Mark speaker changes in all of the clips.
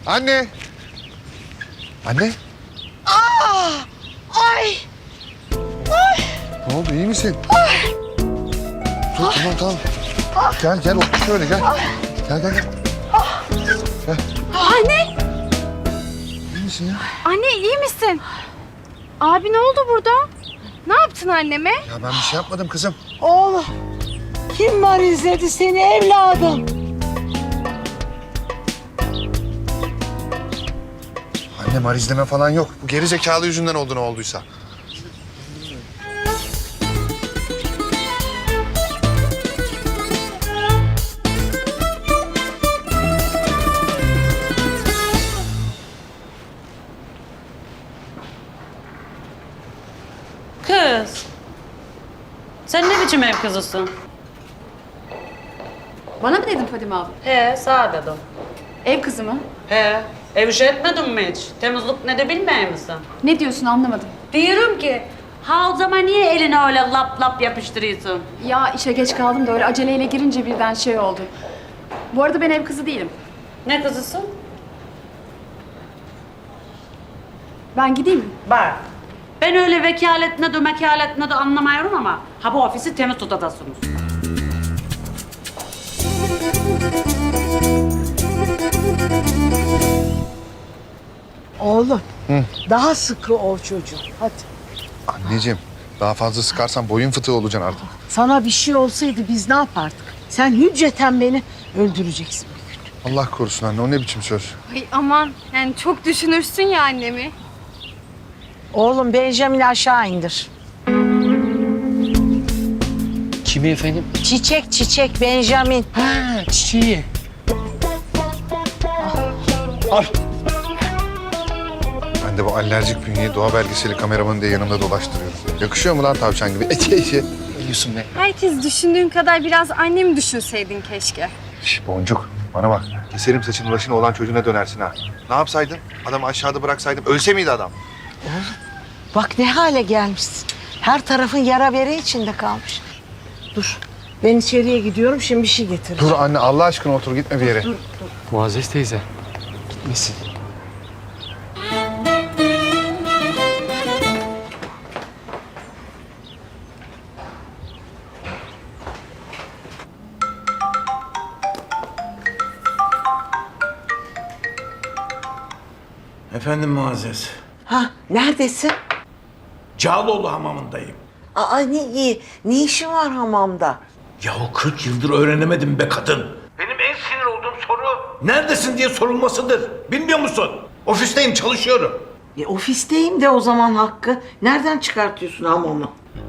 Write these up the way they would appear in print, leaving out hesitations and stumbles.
Speaker 1: Anne! Anne!
Speaker 2: Ay!
Speaker 1: Ne oldu, iyi misin? Dur, tamam. Gel, otur şöyle, gel. Gel.
Speaker 3: Anne!
Speaker 1: İyi misin ya?
Speaker 3: Anne iyi misin? Abi ne oldu burada? Ne yaptın anneme?
Speaker 1: Ya ben bir şey yapmadım kızım.
Speaker 2: Oğlum, kim var izledi seni evladım?
Speaker 1: Annem arizleme falan yok. Bu geri zekalı yüzünden oldu ne olduysa.
Speaker 4: Kız. Sen ne biçim ev kızısın?
Speaker 3: Bana mı dedin Fadime abla?
Speaker 4: He, sağ dedim.
Speaker 3: Ev kızı mı?
Speaker 4: He, ev işi etmedin mi hiç? Temizlik ne de bilmiyor musun?
Speaker 3: Ne diyorsun anlamadım.
Speaker 4: Diyorum ki, ha o zaman niye eline öyle lap lap yapıştırıyorsun?
Speaker 3: Ya işe geç kaldım da öyle aceleyle girince birden şey oldu. Bu arada ben ev kızı değilim.
Speaker 4: Ne kızısın?
Speaker 3: Ben gideyim mi?
Speaker 4: Bak, ben öyle vekalet ne de anlamıyorum ama ha bu ofisi temiz tutadasınız.
Speaker 2: Oğlum, daha sıkı ol çocuğum. Hadi.
Speaker 1: Anneciğim, daha fazla sıkarsan boyun fıtığı olacaksın artık.
Speaker 2: Sana bir şey olsaydı biz ne yapardık? Sen hücceten beni öldüreceksin bir gün.
Speaker 1: Allah korusun anne, o ne biçim söz?
Speaker 3: Ay aman yani çok düşünürsün ya annemi.
Speaker 2: Oğlum Benjamin aşağı indir.
Speaker 5: Kimi efendim?
Speaker 2: Çiçek Benjamin.
Speaker 5: Ha, çiçeği. Al.
Speaker 1: Ben de bu alerjik bünyeyi doğa belgeseli kameramanı diye yanımda dolaştırıyorum. Yakışıyor mu lan tavşan gibi?
Speaker 5: Ne diyorsun be?
Speaker 3: Herkes düşündüğün kadar biraz annemi düşünseydin keşke.
Speaker 1: Şş, Boncuk, bana bak. Keserim saçını başına olan çocuğuna dönersin ha. Ne yapsaydın? Adamı aşağıda bıraksaydım ölse miydi adam?
Speaker 2: Bak ne hale gelmişsin. Her tarafın yara bere içinde kalmış. Dur. Ben içeriye gidiyorum. Şimdi bir şey getireceğim.
Speaker 1: Dur anne, Allah aşkına otur, gitme bir yere.
Speaker 5: Muazzez teyze. Gitmesin.
Speaker 6: Efendim Muazzez.
Speaker 2: Ha, neredesin?
Speaker 6: Cağaloğlu hamamındayım.
Speaker 2: Aa ne iyi. Ne işin var hamamda?
Speaker 6: Yahu 40 yıldır öğrenemedim be kadın. Benim en sinir olduğum soru neredesin diye sorulmasıdır. Bilmiyor musun? Ofisteyim, çalışıyorum.
Speaker 2: Ofisteyim de o zaman Hakkı. Nereden çıkartıyorsun hamamı?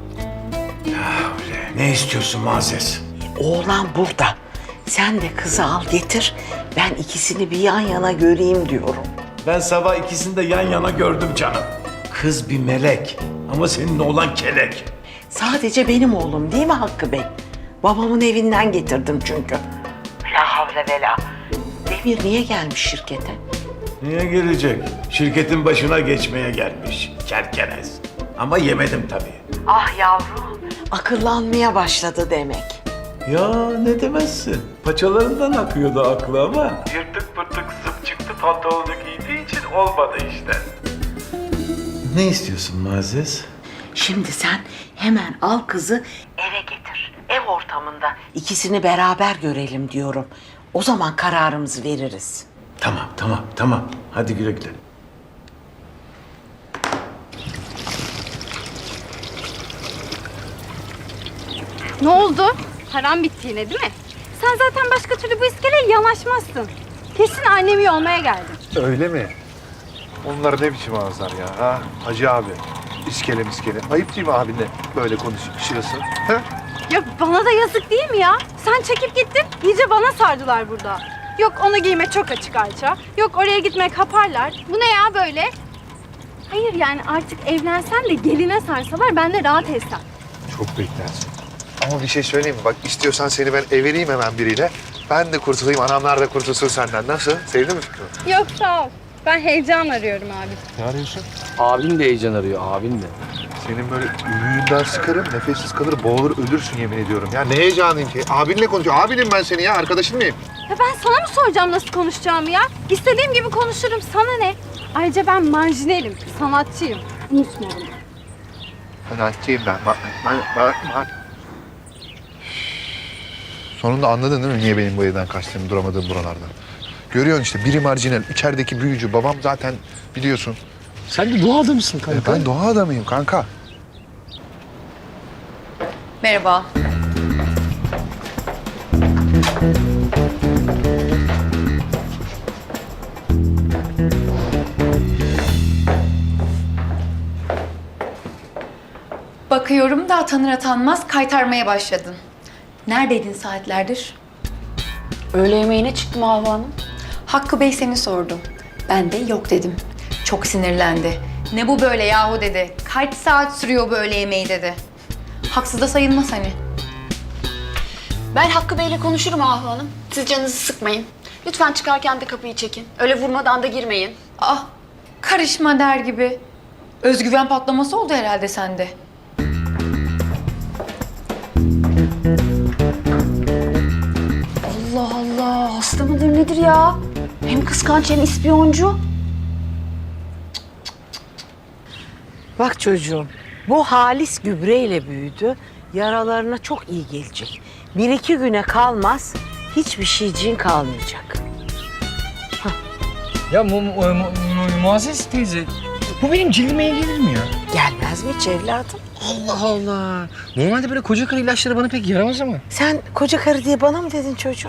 Speaker 6: Öyle. Ne istiyorsun Muazzez?
Speaker 2: Oğlan burada. Sen de kızı al getir. Ben ikisini bir yan yana göreyim diyorum.
Speaker 6: Ben sabah ikisini de yan yana gördüm canım. Kız bir melek ama senin oğlan kelek.
Speaker 2: Sadece benim oğlum değil mi Hakkı Bey? Babamın evinden getirdim çünkü. La havle ve la. Demir niye gelmiş şirkete?
Speaker 6: Niye gelecek? Şirketin başına geçmeye gelmiş. Kerkenes. Ama yemedim tabii.
Speaker 2: Ah yavrum. Akıllanmaya başladı demek.
Speaker 6: Ya ne demezsin. Paçalarından akıyordu aklı ama. Yırtık pırtık zıp çıktı pantolonu giydiği için olmadı işte. Ne istiyorsun Muazzez?
Speaker 2: Şimdi sen hemen al kızı eve getir. Ev ortamında. İkisini beraber görelim diyorum. O zaman kararımızı veririz.
Speaker 6: Tamam. Hadi güle güle.
Speaker 3: Ne oldu? Param bitti yine değil mi? Sen zaten başka türlü bu iskeleye yanaşmazsın. Kesin annemi yolmaya geldin.
Speaker 1: Öyle mi? Onlar ne biçim ağızlar ya ha? Hacı abi, iskele miskele. Ayıp değil mi abinle böyle konuşuyorsun? Ha?
Speaker 3: Ya bana da yazık değil mi ya? Sen çekip gittin, iyice bana sardılar burada. Yok onu giyme çok açık Ayça. Yok oraya gitmek kaparlar. Bu ne ya böyle? Hayır yani artık evlensen de geline sarsalar ben de rahat etsem.
Speaker 1: Çok beklersin. Ama bir şey söyleyeyim mi? Bak istiyorsan seni ben evereyim hemen biriyle. Ben de kurtulayım, anamlar da kurtulsun senden. Nasıl? Sevdin mi fikrini?
Speaker 3: Yok sağ ol. Ben heyecan arıyorum abi.
Speaker 1: Ne arıyorsun?
Speaker 5: Abin de heyecan arıyor, abin de.
Speaker 1: Senin böyle ümüğünden sıkarım, nefessiz kalır, boğulur, ölürsün yemin ediyorum. Ya ne heyecanıyım ki? Abinle konuşuyor. Abinim ben senin ya, arkadaşın mıyım?
Speaker 3: Ya ben sana mı soracağım nasıl konuşacağımı ya? İstediğim gibi konuşurum, sana ne? Ayrıca ben marjinalim, sanatçıyım. Unutma bunu.
Speaker 1: Sanatçıyım ben. Sonunda anladın değil mi niye benim bu evden kaçtığımı, duramadığım buralardan? Görüyorsun işte, biri marjinal, içerideki büyücü. Babam zaten biliyorsun.
Speaker 5: Sen de doğa adamısın kanka.
Speaker 1: Ben doğa adamıyım kanka.
Speaker 7: Merhaba. Bakıyorum da tanır atanmaz kaytarmaya başladın. Neredeydin saatlerdir?
Speaker 4: Öğle yemeğine çıktım Havva Hanım.
Speaker 7: Hakkı Bey seni sordu. Ben de yok dedim. Çok sinirlendi. Ne bu böyle yahu dedi. Kaç saat sürüyor bu öğle yemeği dedi. Haksız da sayılmaz hani.
Speaker 8: Ben Hakkı Bey'le konuşurum Ahu Hanım. Siz canınızı sıkmayın. Lütfen çıkarken de kapıyı çekin. Öyle vurmadan da girmeyin.
Speaker 7: Ah, karışma der gibi. Özgüven patlaması oldu herhalde sende.
Speaker 8: Allah Allah, hasta mıdır nedir ya? Hem kıskanç hem ispiyoncu.
Speaker 2: Bak çocuğum, bu halis gübreyle büyüdü. Yaralarına çok iyi gelecek. 1-2 güne kalmaz, hiçbir şeyciğin kalmayacak.
Speaker 5: Ya Muazzez teyze, bu benim cildime iyi gelir mi ya?
Speaker 2: Gelmez mi hiç evladım?
Speaker 5: Allah Allah. Normalde böyle koca karı ilaçları bana pek yaramaz ama.
Speaker 2: Sen koca karı diye bana mı dedin çocuğum?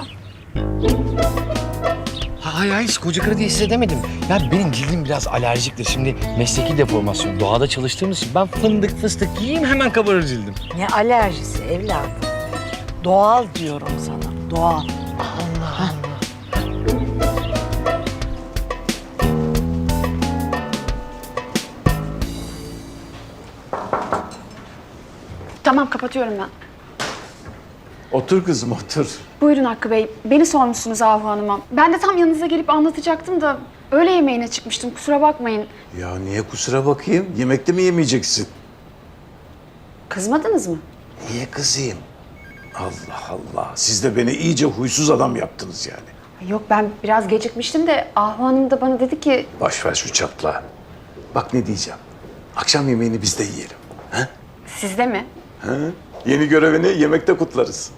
Speaker 5: Hayır, koca karı diye size demedim. Ya benim cildim biraz alerjiktir. Şimdi mesleki deformasyon, doğada çalıştığımız için ben fındık fıstık yiyeyim hemen kabarır cildim.
Speaker 2: Ne alerjisi evladım? Doğal diyorum sana, doğal.
Speaker 8: Tamam, kapatıyorum ben.
Speaker 6: Otur kızım otur.
Speaker 8: Buyurun Hakkı Bey. Beni sormuşsunuz Ahu Hanım'a. Ben de tam yanınıza gelip anlatacaktım da öğle yemeğine çıkmıştım. Kusura bakmayın.
Speaker 6: Ya niye kusura bakayım? Yemekte mi yemeyeceksin?
Speaker 8: Kızmadınız mı?
Speaker 6: Niye kızayım? Allah Allah. Siz de beni iyice huysuz adam yaptınız yani.
Speaker 8: Yok, ben biraz gecikmiştim de Ahu Hanım da bana dedi ki...
Speaker 6: Boş ver şu çatla. Bak ne diyeceğim. Akşam yemeğini biz de yiyelim. Ha?
Speaker 8: Sizde mi?
Speaker 6: Ha? Yeni görevini yemekte kutlarız.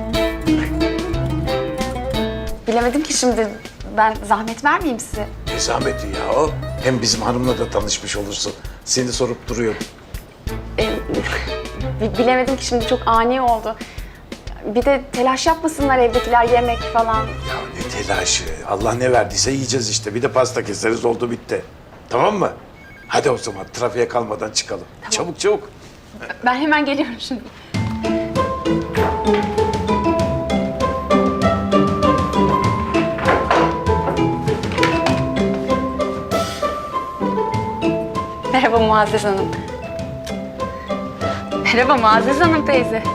Speaker 8: Bilemedim ki şimdi. Ben zahmet vermeyeyim size.
Speaker 6: Ne zahmeti ya o. Hem bizim hanımla da tanışmış olursun. Seni sorup duruyor.
Speaker 8: Bilemedim ki şimdi, çok ani oldu. Bir de telaş yapmasınlar evdekiler, yemek falan.
Speaker 6: Ya ne telaşı. Allah ne verdiyse yiyeceğiz işte. Bir de pasta keseriz, oldu bitti. Tamam mı? Hadi o zaman trafiğe kalmadan çıkalım. Çabuk çabuk.
Speaker 8: Ben hemen geliyorum şimdi. Merhaba Muazzez Hanım. Merhaba Muazzez Hanım teyze.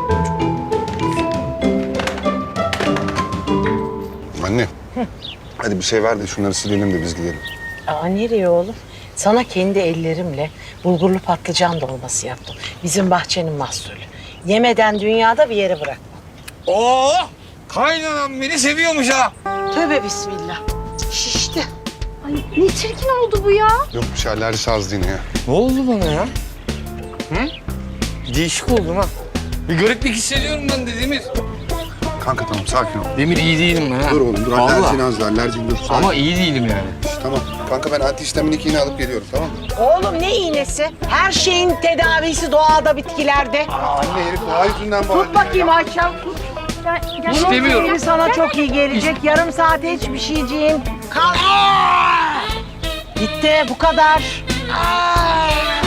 Speaker 9: Anne. Hadi bir şey ver de şunları silelim de biz gidelim.
Speaker 2: Aa, nereye oğlum? Sana kendi ellerimle bulgurlu patlıcan dolması yaptım. Bizim bahçenin mahsulü. Yemeden dünyada bir yere bırakma.
Speaker 5: Oo! Kaynanam beni seviyormuş ha.
Speaker 2: Tövbe bismillah. Şişti.
Speaker 3: Ay ne çirkin oldu bu ya.
Speaker 9: Yok bir şey alerjisi az yine ya.
Speaker 5: Ne oldu bana ya? Hı? Değişik oldum ha. Bir gariplik hissediyorum ben de Demir.
Speaker 9: Kanka tamam sakin ol.
Speaker 5: Demir iyi değilim ben ha.
Speaker 9: Dur oğlum dur
Speaker 5: Vallahi.
Speaker 9: alerjin az da alerjin dur. Sakin.
Speaker 5: Ama iyi değilim yani.
Speaker 9: Tamam. Kanka ben antihistaminik iğne alıp geliyorum tamam mı?
Speaker 2: Oğlum ne iğnesi? Her şeyin tedavisi doğada, bitkilerde.
Speaker 9: Anne herif doğa yüzünden bağırıyor.
Speaker 2: Tut bakayım Ayşem, tut.
Speaker 5: İstemiyorum.
Speaker 2: Bunun sana çok iyi gelecek. Yarım saate hiçbir şeyciğin. Kal. Bitti, bu kadar.